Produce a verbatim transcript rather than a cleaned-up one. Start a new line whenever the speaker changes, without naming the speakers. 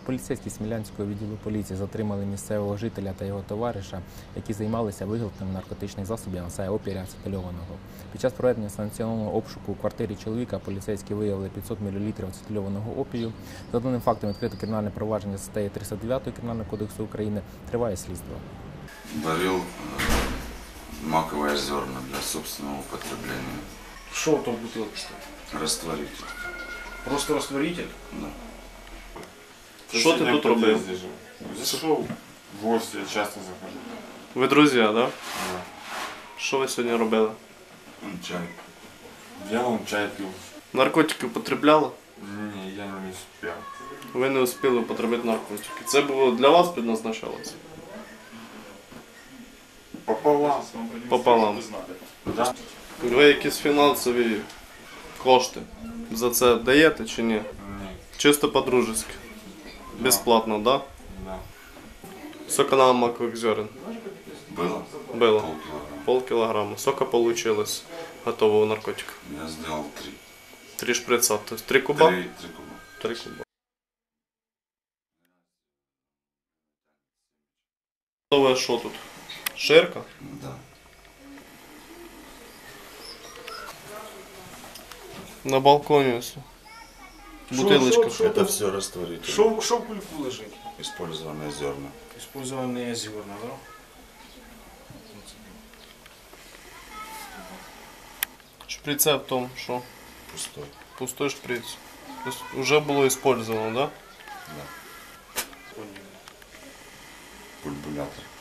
Поліцейські Смілянського відділу поліції затримали місцевого жителя та його товариша, які займалися виготовленням наркотичних засобів, а саме опія ацетильованого. Під час проведення санкціонованого обшуку у квартирі чоловіка поліцейські виявили п'ятсот мілілітрів ацетильованого опію. За даним фактом відкрито кримінальне провадження за статтею триста дев'ять Кримінального кодексу України. Триває слідство.
Варил маковые зерна для собственного употребления.
Что там в бутылке стоит?
Растворитель.
Просто растворитель?
Да.
Що ти тут робив?
Зашел в гости, я часто захожу.
Ви друзі, так? Да?
Да.
Що ви сьогодні робили?
Чай.
Я вам чай пил.
Наркотики употребляли?
Не, я не успел.
Ви не успіли употребити наркотики. Це було для вас предназначалося?
Пополам.
Пополам.
Да?
Ви якісь фінансові кошти за це даєте чи ні?
Не.
Чисто по-дружески. Безплатно, так? Да?
Да.
Соканал макових зерен.
Было?
Було.
Полкилограмма.
Пол кілограма. Сока получилось готового наркотика.
Я сделал три.
Три шприца. То есть три куба?
Три, три куба.
Три куба. Готове що тут? Ширка?
Да.
На балконі ось. Бутилочка.
Шо- шо-
Это все растворитель.
Что в кульку лежит?
Использованные зерна.
Использованные зерна, да?
Шприце в тому, що
Пустой.
пустой шприц. Тобто вже було использовано, да?
Да. Пульбулятор.